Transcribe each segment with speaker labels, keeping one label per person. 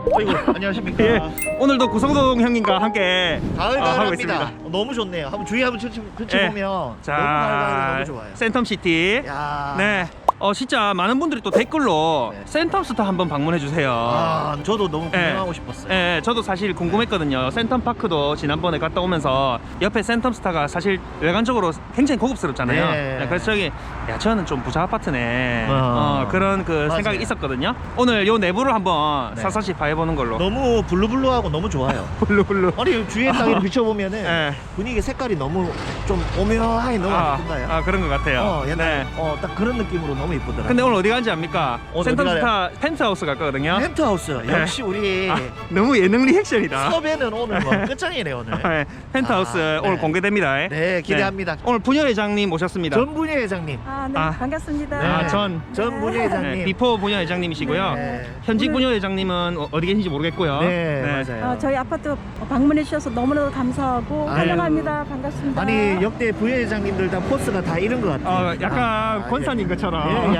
Speaker 1: 어이구, 안녕하십니까.
Speaker 2: 예, 오늘도 구성동 형님과 함께 하고
Speaker 1: 가을가을합니다.
Speaker 2: 있습니다.
Speaker 1: 너무 좋네요. 한번 주위 한번
Speaker 2: 예.
Speaker 1: 보면 너무
Speaker 2: 자,
Speaker 1: 가을가을 너무 좋아요.
Speaker 2: 센텀시티.
Speaker 1: 야.
Speaker 2: 네. 진짜 많은 분들이 또 댓글로
Speaker 1: 네.
Speaker 2: 센텀스타 한번 방문해 주세요.
Speaker 1: 아, 저도 너무 구경하고 싶었어요.
Speaker 2: 예, 저도 사실 궁금했거든요. 센텀파크도 지난번에 갔다 오면서 옆에 센텀스타가 사실 외관적으로 굉장히 고급스럽잖아요.
Speaker 1: 네.
Speaker 2: 그래서 저기 야 저는 좀 부자 아파트네. 그런 그
Speaker 1: 맞아요.
Speaker 2: 생각이 있었거든요. 오늘 요 내부를 한번
Speaker 1: 네.
Speaker 2: 사사시 봐해보는 걸로.
Speaker 1: 너무 블루블루하고 너무 좋아요.
Speaker 2: 블루블루.
Speaker 1: 아니 주위에 딱 이렇게 비춰보면은
Speaker 2: 예.
Speaker 1: 분위기 색깔이 너무 좀 오묘하게 너무 예쁜가요?
Speaker 2: 그런 것 같아요.
Speaker 1: 옛날
Speaker 2: 네.
Speaker 1: 딱 그런 느낌으로 너무 이쁘더라고요.
Speaker 2: 근데 오늘 어디 가는지 압니까?
Speaker 1: 오늘 어디
Speaker 2: 센텀스타 펜트하우스 갈 거거든요.
Speaker 1: 펜트하우스 역시 우리
Speaker 2: 너무 예능 리액션이다.
Speaker 1: 섭외는 오늘 뭐 끝장이네 오늘.
Speaker 2: 네, 펜트하우스
Speaker 1: 네.
Speaker 2: 오늘 공개됩니다.
Speaker 1: 네, 기대합니다.
Speaker 2: 오늘 부녀회장님 모셨습니다.
Speaker 1: 전분희 회장님.
Speaker 3: 네,
Speaker 2: 아.
Speaker 3: 반갑습니다.
Speaker 1: 네.
Speaker 2: 전
Speaker 1: 전분희 회장님.
Speaker 2: 네, 비포 부녀회장님이시고요.
Speaker 1: 네.
Speaker 2: 현직
Speaker 3: 오늘-
Speaker 2: 부녀회장님은 어디 계신지 모르겠고요.
Speaker 1: 네, 맞아요.
Speaker 3: 저희 아파트 방문해 주셔서 너무나도 감사하고
Speaker 1: 아유.
Speaker 3: 환영합니다. 반갑습니다.
Speaker 1: 아니 역대 부회장님들 다 포스가 다 이런 것 같아요.
Speaker 2: 약간 권사님 것처럼.
Speaker 1: 예,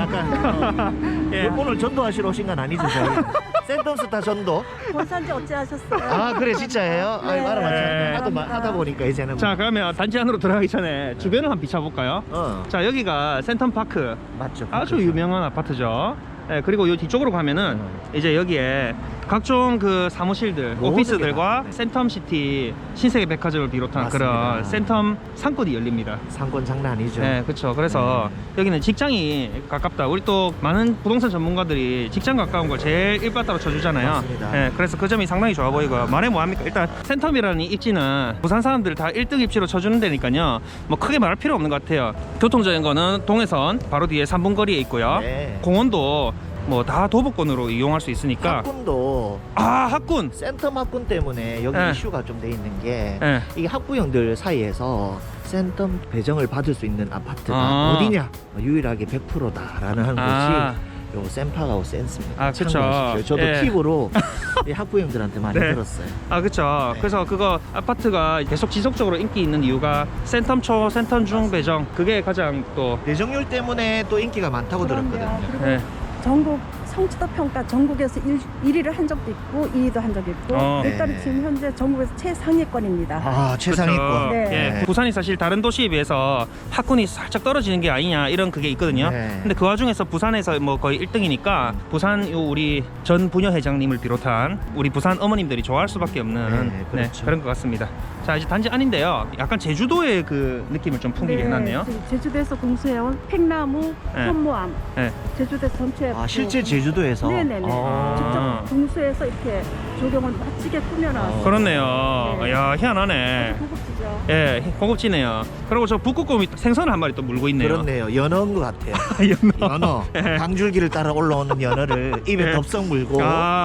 Speaker 1: 약간
Speaker 2: 예.
Speaker 1: 오늘 전도하시러 오신 건 아니죠, 저희? 센텀스타 전도.
Speaker 3: 본산지 어찌하셨어요?
Speaker 1: 아 그래 진짜예요?
Speaker 3: 네.
Speaker 1: 말을
Speaker 2: 네.
Speaker 1: 하다 보니까 이제는
Speaker 2: 자, 그러면 단지 안으로 들어가기 전에 주변을 한번 비춰볼까요? 자, 여기가 센텀파크.
Speaker 1: 맞죠.
Speaker 2: 아주 유명한 아파트죠. 네, 그리고 요 뒤쪽으로 가면은 이제 여기에 각종 그 사무실들,
Speaker 1: 모든
Speaker 2: 오피스들과
Speaker 1: 게 다,
Speaker 2: 센텀시티, 신세계 백화점을 비롯한
Speaker 1: 맞습니다.
Speaker 2: 그런 센텀 상권이 열립니다.
Speaker 1: 상권 장난 아니죠.
Speaker 2: 네, 그렇죠. 그래서 여기는 직장이 가깝다. 우리 또 많은 부동산 전문가들이 직장 가까운 걸 제일 일바따로 쳐주잖아요.
Speaker 1: 맞습니다.
Speaker 2: 네, 그래서 그 점이 상당히 좋아 보이고요. 말해 뭐합니까? 일단 센텀이라는 이 입지는 부산 사람들 다 1등 입지로 쳐주는 데니까요. 뭐 크게 말할 필요 없는 것 같아요. 교통적인 거는 동해선 바로 뒤에 3분 거리에 있고요.
Speaker 1: 네.
Speaker 2: 공원도 뭐 다 도보권으로 이용할 수 있으니까.
Speaker 1: 학군도
Speaker 2: 학군.
Speaker 1: 센텀 학군 때문에 여기
Speaker 2: 네.
Speaker 1: 이슈가 좀 돼 있는 게
Speaker 2: 네.
Speaker 1: 이 학부형들 사이에서 센텀 배정을 받을 수 있는 아파트가
Speaker 2: 아.
Speaker 1: 어디냐 유일하게 100%다라는 한
Speaker 2: 아.
Speaker 1: 곳이 요 센파가오 센스입니다.
Speaker 2: 아, 그쵸.
Speaker 1: 참고하십시오. 저도
Speaker 2: 예.
Speaker 1: 팁으로 이 학부형들한테 많이
Speaker 2: 네.
Speaker 1: 들었어요.
Speaker 2: 그렇죠.
Speaker 1: 네.
Speaker 2: 그래서 그거 아파트가 계속 지속적으로 인기 있는 이유가 센텀 초, 센텀 중 배정 그게 가장 또
Speaker 1: 배정률 때문에 또 인기가 많다고
Speaker 3: 그럼요.
Speaker 1: 들었거든요.
Speaker 3: 그리고
Speaker 2: 네.
Speaker 3: 전국 성취도 평가 전국에서 1위를 한 적도 있고 2위도 한 적이 있고 일단
Speaker 1: 네.
Speaker 3: 지금 현재 전국에서 최상위권입니다.
Speaker 1: 아 최상위권.
Speaker 3: 네.
Speaker 2: 예, 부산이 사실 다른 도시에 비해서 학군이 살짝 떨어지는 게 아니냐 이런 그게 있거든요.
Speaker 1: 네.
Speaker 2: 근데 그 와중에서 부산에서 뭐 거의 1등이니까 부산 요 우리 전 부녀 회장님을 비롯한 우리 부산 어머님들이 좋아할 수밖에 없는
Speaker 1: 네, 그렇죠.
Speaker 2: 그런 것 같습니다. 자, 이제 단지 안인데요. 약간 제주도의 그 느낌을 좀 풍기게 해놨네요.
Speaker 3: 지금 제주도에서 공수해온 팽나무,
Speaker 2: 네.
Speaker 3: 현무암,
Speaker 2: 네.
Speaker 3: 제주도 전체
Speaker 1: 아 실제 제주도에서.
Speaker 3: 네네네.
Speaker 2: 아.
Speaker 3: 직접 공수해서 이렇게 조경을 멋지게 꾸며놨어요.
Speaker 2: 그렇네요.
Speaker 3: 네.
Speaker 2: 야, 희한하네.
Speaker 3: 고급지죠.
Speaker 2: 예, 고급지네요. 그리고 저 북극곰이 생선을 한 마리 또 물고 있네요.
Speaker 1: 그렇네요. 연어인 것 같아요.
Speaker 2: 연어.
Speaker 1: 연어.
Speaker 2: 예.
Speaker 1: 강줄기를 따라 올라오는 연어를 입에
Speaker 2: 예.
Speaker 1: 덥석 물고.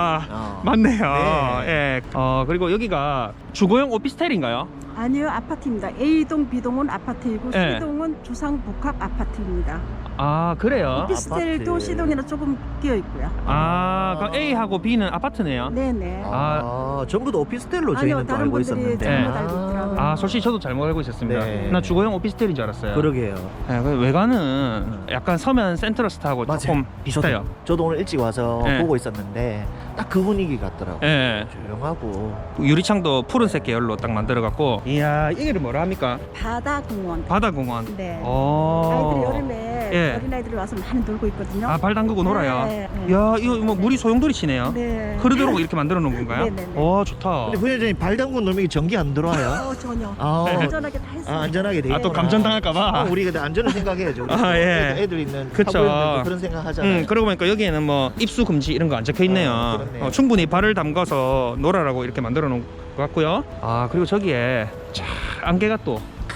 Speaker 2: 맞네요.
Speaker 1: 네.
Speaker 2: 예. 그리고 여기가 주거용 오피스텔인가요?
Speaker 3: 아니요, 아파트입니다. A동, B동은 아파트이고
Speaker 2: 네.
Speaker 3: C동은 주상복합 아파트입니다.
Speaker 2: 그래요?
Speaker 3: 오피스텔도
Speaker 1: 아파트.
Speaker 3: C동이랑 조금 끼어 있고요.
Speaker 2: 그럼 A하고 B는 아파트네요.
Speaker 3: 네네.
Speaker 1: 전부 다 오피스텔로
Speaker 3: 아니요,
Speaker 1: 저희는 또
Speaker 3: 다른
Speaker 1: 알고
Speaker 3: 분들이
Speaker 1: 있었는데.
Speaker 3: 잘못 알고 있더라고요.
Speaker 2: 솔직히 저도 잘못 알고 있었습니다.
Speaker 1: 네.
Speaker 2: 나 주거용 오피스텔인 줄 알았어요.
Speaker 1: 그러게요.
Speaker 2: 예, 그 외관은 약간 서면 센트러스트하고
Speaker 1: 맞아요.
Speaker 2: 조금 비슷해요.
Speaker 1: 저도 오늘 일찍 와서
Speaker 2: 네.
Speaker 1: 보고 있었는데 딱 그 분위기 같더라고요.
Speaker 2: 예.
Speaker 1: 조용하고.
Speaker 2: 유리창도 푸른색 계열로 딱 만들어갖고. 이야, 이게 뭐라 합니까?
Speaker 3: 바다공원.
Speaker 2: 바다공원.
Speaker 3: 네.
Speaker 2: 오.
Speaker 3: 아이들이 여름에
Speaker 2: 예.
Speaker 3: 어린아이들이 와서 많이 놀고 있거든요.
Speaker 2: 발 담그고 놀아요.
Speaker 3: 네, 네.
Speaker 2: 야, 이거 뭐 물이 소용돌이 치네요.
Speaker 3: 네.
Speaker 2: 흐르도록 이렇게 만들어 놓은 건가요?
Speaker 3: 네네네.
Speaker 2: 오, 좋다.
Speaker 1: 근데 부회장님 발 담근 놈이 전기 안 들어와요?
Speaker 3: 전혀.
Speaker 1: 아,
Speaker 3: 안전하게 다 했어요.
Speaker 1: 안전하게 돼 있구나.
Speaker 2: 또 감전당할까봐.
Speaker 1: 우리 근데 안전을 생각해야죠. 우리
Speaker 2: 예.
Speaker 1: 애들 있는
Speaker 2: 그쵸.
Speaker 1: 학부형들도 그런 생각 하잖아요.
Speaker 2: 그러고 보니까 여기에는 뭐 입수 금지 이런 거 안 적혀 있네요.
Speaker 1: 그렇네요.
Speaker 2: 충분히 발을 담가서 놀아라고 이렇게 만들어 놓은 것 같고요. 그리고 저기에 자, 안개가 또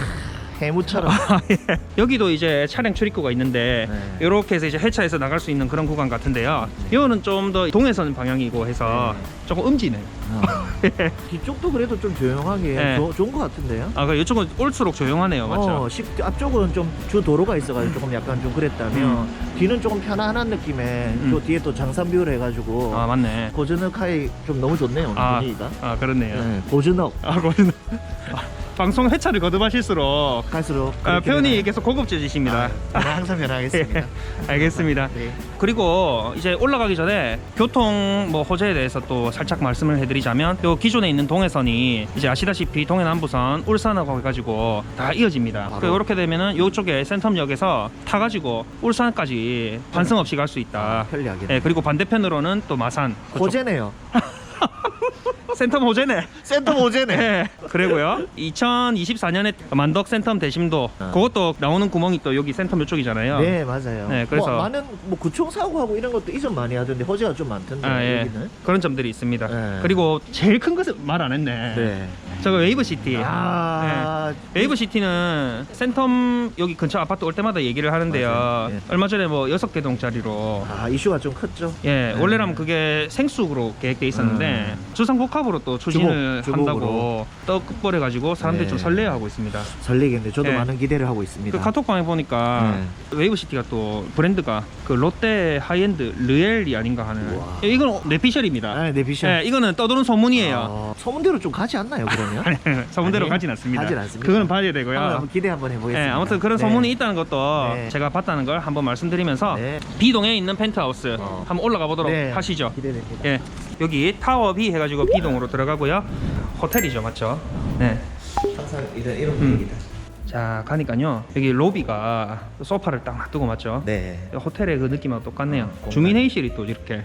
Speaker 1: 해무처럼.
Speaker 2: 여기도 이제 차량 출입구가 있는데
Speaker 1: 네.
Speaker 2: 이렇게 해서 이제 회차해서 나갈 수 있는 그런 구간 같은데요. 이거는 좀 더 동해선 방향이고 해서 조금 음지네.
Speaker 1: 뒤쪽도 그래도 좀 조용하게
Speaker 2: 네.
Speaker 1: 좋은 것 같은데요.
Speaker 2: 그 이쪽은 올수록 조용하네요, 맞죠?
Speaker 1: 앞쪽은 좀 주 도로가 있어가지고 조금 약간 좀 그랬다면 뒤는 조금 편안한 느낌에 저 뒤에 또 장산뷰를 해가지고
Speaker 2: 맞네.
Speaker 1: 고즈넉하이 좀 너무 좋네요 오늘 분위기가.
Speaker 2: 그렇네요.
Speaker 1: 네, 고즈넉.
Speaker 2: 거기는 방송 회차를 거듭하실수록
Speaker 1: 갈수록
Speaker 2: 표현이 계속 고급져지십니다.
Speaker 1: 항상 변하겠습니다.
Speaker 2: 알겠습니다.
Speaker 1: 네.
Speaker 2: 그리고 이제 올라가기 전에 교통 뭐 호재에 대해서 또 살짝 말씀을 해드리자면 요 기존에 있는 동해선이 이제 아시다시피 동해남부선 울산하고 해가지고 다 이어집니다.
Speaker 1: 바로.
Speaker 2: 이렇게 되면은 요쪽에 센텀역에서 타가지고 울산까지 환승 없이 갈 수 있다.
Speaker 1: 편리하게.
Speaker 2: 예, 그리고 반대편으로는 또 마산 그쪽.
Speaker 1: 호재네요.
Speaker 2: 센텀 호재네.
Speaker 1: 센텀 호재네.
Speaker 2: 네. 그리고요 2024년에 만덕 센텀 대심도 그것도 나오는 구멍이 또 여기 센텀 이쪽이잖아요.
Speaker 1: 네, 맞아요.
Speaker 2: 네, 그래서-
Speaker 1: 뭐 많은 뭐 구총 사고하고 이런 것도 이전 많이 하던데 호재가 좀 많던데
Speaker 2: 예.
Speaker 1: 여기는.
Speaker 2: 그런 점들이 있습니다.
Speaker 1: 네.
Speaker 2: 그리고 제일 큰 것은 말 안 했네.
Speaker 1: 네.
Speaker 2: 저거 웨이브시티.
Speaker 1: 아,
Speaker 2: 웨이브시티는 센텀 여기 근처 아파트 올 때마다 얘기를 하는데요.
Speaker 1: 맞아요. 예.
Speaker 2: 얼마 전에 뭐 6개동짜리로
Speaker 1: 이슈가 좀 컸죠.
Speaker 2: 예,
Speaker 1: 네.
Speaker 2: 원래라면 그게 생수로 계획돼 있었는데 주상복합으로 또 추진을
Speaker 1: 주복으로.
Speaker 2: 한다고 떡벌해가지고 사람들이
Speaker 1: 네.
Speaker 2: 좀 설레어하고 있습니다.
Speaker 1: 설레겠네. 저도
Speaker 2: 네.
Speaker 1: 많은 기대를 하고 있습니다.
Speaker 2: 그 카톡방에 보니까 웨이브시티가 또 브랜드가 그 롯데 하이엔드 르엘이 아닌가 하는.
Speaker 1: 우와.
Speaker 2: 이건 뇌피셜입니다.
Speaker 1: 아, 내 비션.
Speaker 2: 예, 이거는 떠도는 소문이에요.
Speaker 1: 소문대로 좀 가지 않나요, 그러면?
Speaker 2: 소문대로
Speaker 1: 아니,
Speaker 2: 가진 않습니다.
Speaker 1: 가진 않습니다.
Speaker 2: 그거는 봐야 되고요.
Speaker 1: 한번 기대 한번 해보겠습니다.
Speaker 2: 네, 아무튼 그런
Speaker 1: 네.
Speaker 2: 소문이 있다는 것도
Speaker 1: 네.
Speaker 2: 제가 봤다는 걸 한번 말씀드리면서
Speaker 1: 네.
Speaker 2: B동에 있는 펜트하우스 한번 올라가 보도록
Speaker 1: 네.
Speaker 2: 하시죠.
Speaker 1: 기대됩니다.
Speaker 2: 예, 여기 타워 B 해가지고 B동으로 들어가고요. 호텔이죠, 맞죠? 네.
Speaker 1: 항상 이런 분위기다.
Speaker 2: 자, 가니까요. 여기 로비가 소파를 딱 놔두고 맞죠?
Speaker 1: 네.
Speaker 2: 호텔의 그 느낌하고 똑같네요.
Speaker 1: 공간.
Speaker 2: 주민 회의실이 또 이렇게.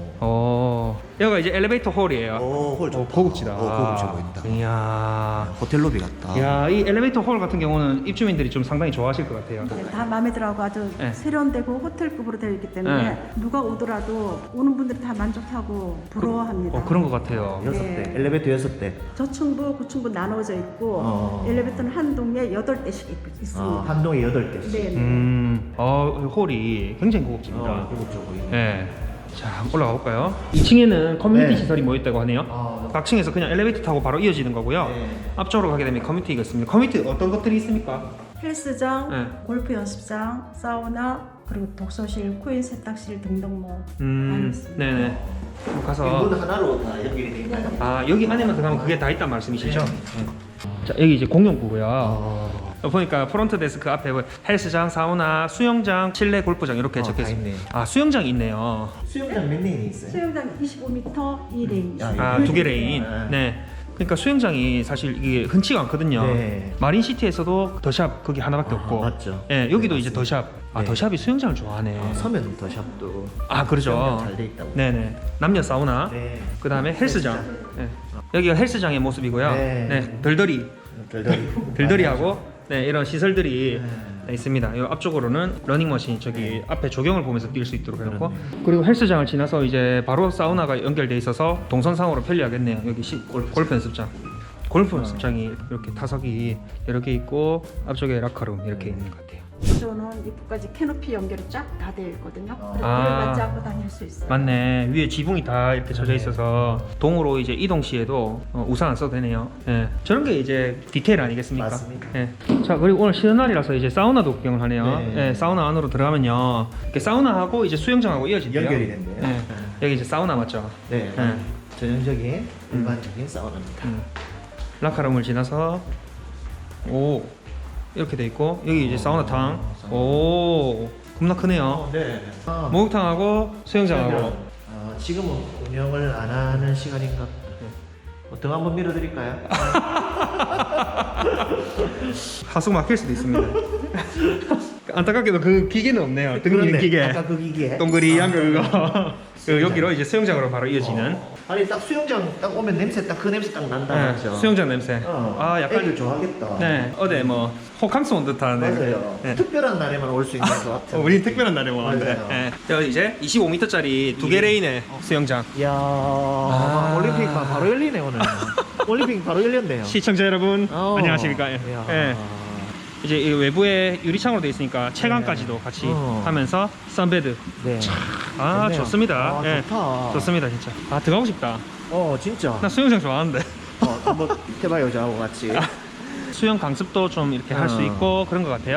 Speaker 2: 여기가 이제 엘리베이터 홀이에요.
Speaker 1: 홀 좋다.
Speaker 2: 고급지다.
Speaker 1: 고급져 보인다.
Speaker 2: 이야.
Speaker 1: 호텔 로비 같다.
Speaker 2: 야, 이 엘리베이터 홀 같은 경우는 입주민들이 좀 상당히 좋아하실 것 같아요.
Speaker 3: 네, 다 마음에 들어하고 아주
Speaker 2: 네.
Speaker 3: 세련되고 호텔급으로 되어 있기 때문에
Speaker 2: 네.
Speaker 3: 누가 오더라도 오는 분들이 다 만족하고 부러워합니다.
Speaker 2: 그런 것 같아요.
Speaker 1: 6대.
Speaker 3: 네.
Speaker 1: 엘리베이터 6대.
Speaker 3: 저층부, 고층부 나눠져 있고
Speaker 1: 어.
Speaker 3: 엘리베이터는 한 동에 8대씩 있습니다.
Speaker 1: 한 동에 8대씩.
Speaker 3: 네.
Speaker 2: 홀이 굉장히 고급집니다.
Speaker 1: 고급져 보이네.
Speaker 2: 네. 자, 한번 올라가 볼까요? 2층에는 커뮤니티
Speaker 1: 네.
Speaker 2: 시설이 모여있다고 하네요. 각 층에서 그냥 엘리베이터 타고 바로 이어지는 거고요.
Speaker 1: 네.
Speaker 2: 앞쪽으로 가게 되면 커뮤니티가 있습니다. 커뮤니티 어떤 것들이 있습니까?
Speaker 3: 헬스장,
Speaker 2: 네.
Speaker 3: 골프 연습장, 사우나, 그리고 독서실, 코인 세탁실 등등 뭐 많이 있습니다.
Speaker 2: 네네. 그럼 가서
Speaker 1: 문 하나로 다 연결이 돼 있나요?
Speaker 2: 여기 안에만 들어가면 그게 다 있단 말씀이시죠? 자, 여기 이제 공용구고요. 보니까 프론트 데스크 앞에 헬스장, 사우나, 수영장, 실내 골프장 이렇게 적혀
Speaker 1: 다
Speaker 2: 있습니다.
Speaker 1: 있네.
Speaker 2: 수영장이 있네요.
Speaker 1: 수영장 몇 레인이 있어요?
Speaker 3: 수영장 25m 2레인.
Speaker 1: 야,
Speaker 2: 2개 레인. 네. 그러니까 수영장이 사실 이게 흔치가 않거든요.
Speaker 1: 네.
Speaker 2: 마린시티에서도 더샵 거기 하나밖에 없고.
Speaker 1: 맞죠.
Speaker 2: 예, 여기도
Speaker 1: 네,
Speaker 2: 이제
Speaker 1: 맞습니다.
Speaker 2: 더샵.
Speaker 1: 네.
Speaker 2: 더샵이 수영장을 좋아하네.
Speaker 1: 서면 더샵도
Speaker 2: 그렇죠.
Speaker 1: 잘돼 있다고.
Speaker 2: 네네. 남녀 사우나.
Speaker 1: 네.
Speaker 2: 그다음에 헬스장. 네. 여기가 헬스장의 모습이고요.
Speaker 1: 네.
Speaker 2: 네. 들더리. 들더리하고 네, 이런 시설들이 있습니다. 이 앞쪽으로는 러닝머신 저기 앞에 조경을 보면서 뛸 수 있도록 해놓고 그리고 헬스장을 지나서 이제 바로 사우나가 연결돼 있어서 동선상으로 편리하겠네요. 여기 골프 연습장. 골프 연습장이 이렇게 타석이 여러 개 있고 앞쪽에 라커룸 이렇게 있는 것 같아요.
Speaker 3: 저는 입구까지 캐노피 연결이 쫙 다 되어 있거든요. 그래서 불을 맞지 않고 다닐 수 있어요.
Speaker 2: 맞네. 위에 지붕이 다 이렇게 젖어 있어서 동으로 이제 이동 시에도 우산 안 써도 되네요. 예. 저런 게 이제 디테일 아니겠습니까?
Speaker 1: 맞습니다.
Speaker 2: 예. 자, 그리고 오늘 쉬는 날이라서 이제 사우나도 구경을 하네요.
Speaker 1: 네.
Speaker 2: 예, 사우나 안으로 들어가면요. 이렇게 사우나하고 이제 수영장하고 이어진대요.
Speaker 1: 연결이 된대요.
Speaker 2: 예. 여기 이제 사우나 맞죠?
Speaker 1: 네.
Speaker 2: 네.
Speaker 1: 전형적인 일반적인 사우나입니다.
Speaker 2: 라카룸을 지나서 이렇게 돼 있고 여기 이제 사우나탕. 겁나 크네요.
Speaker 1: 네.
Speaker 2: 목욕탕하고 수영장하고.
Speaker 1: 지금은 운영을 안 하는 시간인가? 등 한번 밀어드릴까요?
Speaker 2: 하수 막힐 수도 있습니다. 안타깝게도 그 기계는 없네요. 등
Speaker 1: 그렇네.
Speaker 2: 미는 기계.
Speaker 1: 아까 그 기계.
Speaker 2: 동그리한 그거. 여기로 이제 수영장으로 바로 이어지는.
Speaker 1: 아니 딱 수영장 딱 오면 냄새 딱 그 냄새 딱 난다
Speaker 2: 네,
Speaker 1: 맞죠?
Speaker 2: 수영장 냄새. 약간
Speaker 1: 애들 좋아하겠다.
Speaker 2: 네, 어제 뭐 호캉스 온 듯한.
Speaker 1: 맞아요.
Speaker 2: 네.
Speaker 1: 특별한 날에만 올 수 있는 것 같아요.
Speaker 2: 우리 특별한 날에 뭐 하는데.
Speaker 1: 맞아요.
Speaker 2: 네. 여기 이제 25m짜리 2개 레인의 수영장.
Speaker 1: 이야, 올림픽 바로 열리네 오늘. 올림픽 바로 열렸네요.
Speaker 2: 시청자 여러분 안녕하십니까?
Speaker 1: 이야.
Speaker 2: 예. 이제 이 외부에 유리창으로 되어 있으니까 채광까지도 같이 하면서 선베드.
Speaker 1: 네.
Speaker 2: 좋네요. 좋습니다. 예.
Speaker 1: 좋다.
Speaker 2: 좋습니다 진짜. 들어가고 싶다.
Speaker 1: 진짜.
Speaker 2: 나 수영장 좋아하는데.
Speaker 1: 한번 해봐요 저하고 같이.
Speaker 2: 수영 강습도 좀 이렇게 할 수 있고 그런 것 같아요.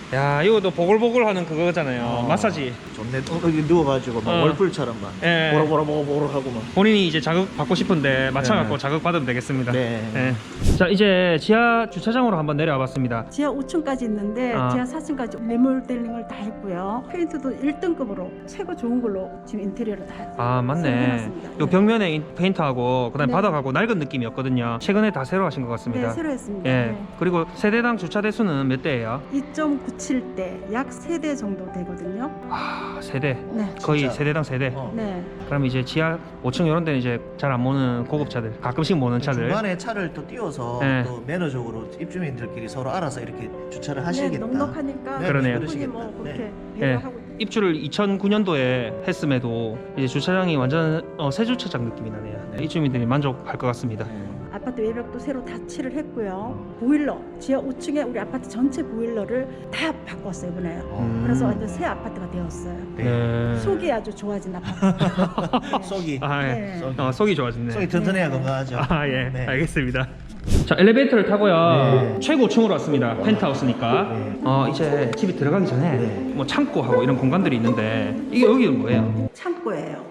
Speaker 2: 야 이것도 보글보글하는 그거잖아요. 마사지.
Speaker 1: 좋네. 여기 누워가지고 막 월풀처럼 막
Speaker 2: 예.
Speaker 1: 보로보로보로 하고 막.
Speaker 2: 본인이 이제 자극 받고 싶은데 맞춰갖고
Speaker 1: 네.
Speaker 2: 자극 받으면 되겠습니다.
Speaker 1: 네.
Speaker 2: 자 이제 지하 주차장으로 한번 내려와 봤습니다.
Speaker 3: 지하 5층까지 있는데
Speaker 2: 아.
Speaker 3: 지하 4층까지 리모델링을 다 했고요. 페인트도 1등급으로 최고 좋은 걸로 지금 인테리어를 다
Speaker 2: 아
Speaker 3: 새로
Speaker 2: 맞네.
Speaker 3: 해놨습니다.
Speaker 2: 요
Speaker 3: 네.
Speaker 2: 벽면에 페인트하고 그다음 에
Speaker 3: 네.
Speaker 2: 바닥하고 낡은 느낌이었거든요. 최근에 다 새로 하신 것 같습니다.
Speaker 3: 네, 새로 했습니다.
Speaker 2: 예.
Speaker 3: 네.
Speaker 2: 그리고 세대당 주차 대수는 몇 대예요?
Speaker 3: 2.97대 약 3대 정도 되거든요.
Speaker 2: 아 세대.
Speaker 3: 네.
Speaker 2: 거의
Speaker 1: 진짜.
Speaker 2: 세대당 세대.
Speaker 3: 네.
Speaker 2: 그럼 이제 지하 5층 이런 데는 이제 잘 안 모는 고급차들, 가끔씩 모는 차들.
Speaker 1: 중간에 차를 또 띄워서
Speaker 2: 네.
Speaker 1: 또 매너적으로 입주민들끼리 서로 알아서 이렇게 주차를
Speaker 3: 네,
Speaker 1: 하시겠다.
Speaker 3: 넉넉하니까
Speaker 1: 네,
Speaker 2: 그러네요.
Speaker 3: 충분히 뭐
Speaker 1: 그러시겠다.
Speaker 3: 그렇게
Speaker 1: 네.
Speaker 3: 배려하고
Speaker 2: 입주를 2009년도에 했음에도 이제 주차장이 완전 새 주차장 느낌이 나네요.
Speaker 1: 네.
Speaker 2: 입주민들이 만족할 것 같습니다.
Speaker 3: 아파트 외벽도 새로 다 칠을 했고요. 보일러 지하 5층에 우리 아파트 전체 보일러를 다 바꿨어요 이번에. 그래서 완전 새 아파트가 되었어요.
Speaker 2: 네.
Speaker 3: 속이 아주 좋아진 아파트.
Speaker 1: 속이
Speaker 2: 아, 예.
Speaker 3: 네.
Speaker 2: 속이 좋아졌네.
Speaker 1: 속이 튼튼해야 건강하죠.
Speaker 2: 아, 예.
Speaker 1: 네.
Speaker 2: 알겠습니다. 자, 엘리베이터를 타고요.
Speaker 1: 네.
Speaker 2: 최고층으로 왔습니다. 펜트하우스니까.
Speaker 1: 네.
Speaker 2: 이제 집에 들어가기 전에
Speaker 1: 네.
Speaker 2: 뭐 창고하고 이런 공간들이 있는데 이게 여기는 뭐예요?
Speaker 3: 창고예요.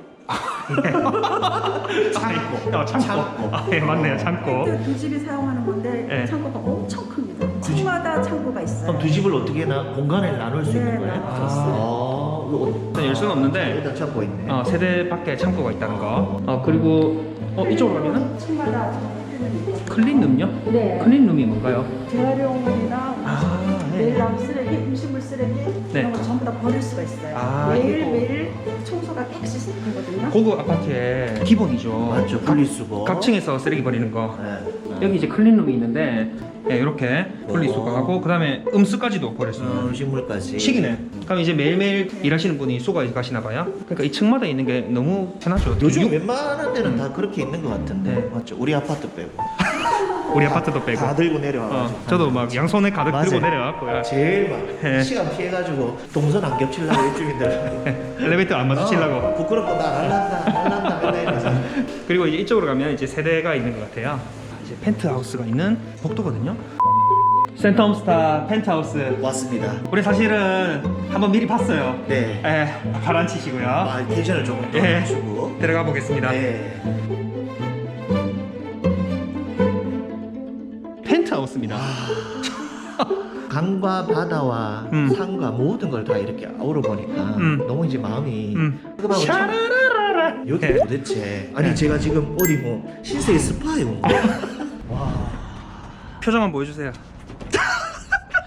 Speaker 1: 창고.
Speaker 2: 창고. 아, 예, 맞네요. 창고.
Speaker 3: 두 집이 사용하는 건데
Speaker 2: 네.
Speaker 3: 창고가 엄청 큽니다. 층마다 창고가 있어요.
Speaker 1: 그럼 두 집을 어떻게 공간을 나눌 수 있는
Speaker 3: 네,
Speaker 1: 거예요?
Speaker 3: 나눌 수 있어요.
Speaker 2: 일단 열 수는 없는데
Speaker 1: 일단 찾고 있네.
Speaker 2: 세대 밖에 창고가 있다는 거. 그리고 이쪽으로 가면은
Speaker 3: 층마다
Speaker 2: 클린룸요?
Speaker 3: 네.
Speaker 2: 클린룸이 뭔가요?
Speaker 3: 재활용이나
Speaker 2: 네.
Speaker 3: 내일 남 쓰레기, 음식물 쓰레기
Speaker 2: 네.
Speaker 3: 이런 거 전부 다 버릴 수가 있어요.
Speaker 2: 아,
Speaker 3: 매일 청소가 깨끗이 되거든요.
Speaker 2: 고급 아파트의 기본이죠.
Speaker 1: 맞죠. 분리수거.
Speaker 2: 각층에서 쓰레기 버리는 거.
Speaker 1: 네.
Speaker 2: 여기 이제 클린룸이 있는데 이렇게 분리수거하고 그다음에 음수까지도 버릴 수 있는
Speaker 1: 음식물까지.
Speaker 2: 식이네. 그럼 이제 매일매일 일하시는 분이 수거 가시나 봐요. 그러니까 이 층마다 있는 게 너무 편하죠.
Speaker 1: 요즘 웬만한 데는 다 그렇게 있는 것 같은데.
Speaker 2: 네.
Speaker 1: 맞죠. 우리 아파트 빼고.
Speaker 2: 우리 아파트도 빼고.
Speaker 1: 다 들고 내려와가지고.
Speaker 2: 저도 막 양손에 가득 들고
Speaker 1: 맞아요.
Speaker 2: 내려왔고요.
Speaker 1: 제일 막
Speaker 2: 네.
Speaker 1: 시간 피해가지고 동선 안 겹치려고 입주민들.
Speaker 2: 엘리베이터 안 마주치려고.
Speaker 1: 부끄럽고 나 날란다 이러면서.
Speaker 2: 그리고 이제 이쪽으로 가면 이제 세대가 있는 것 같아요. 이제 펜트하우스가 있는 복도거든요. 센텀스타 펜트하우스.
Speaker 1: 왔습니다.
Speaker 2: 우리 사실은 한번 미리 봤어요.
Speaker 1: 네.
Speaker 2: 가라앉히시고요.
Speaker 1: 텐션을 조금 더
Speaker 2: 예.
Speaker 1: 해주고.
Speaker 2: 들어가 보겠습니다.
Speaker 1: 네.
Speaker 2: 펜트하우스입니다.
Speaker 1: 강과 바다와 산과 모든 걸 다 이렇게 아우러 보니까 너무 이제 마음이 뜨거워하고 참-
Speaker 2: 샤라라라라.
Speaker 1: 여기
Speaker 2: 네.
Speaker 1: 도대체 아니 제가 지금 어디 뭐 신세계 스파에 온 거야. 와.
Speaker 2: 표정 한번 보여주세요.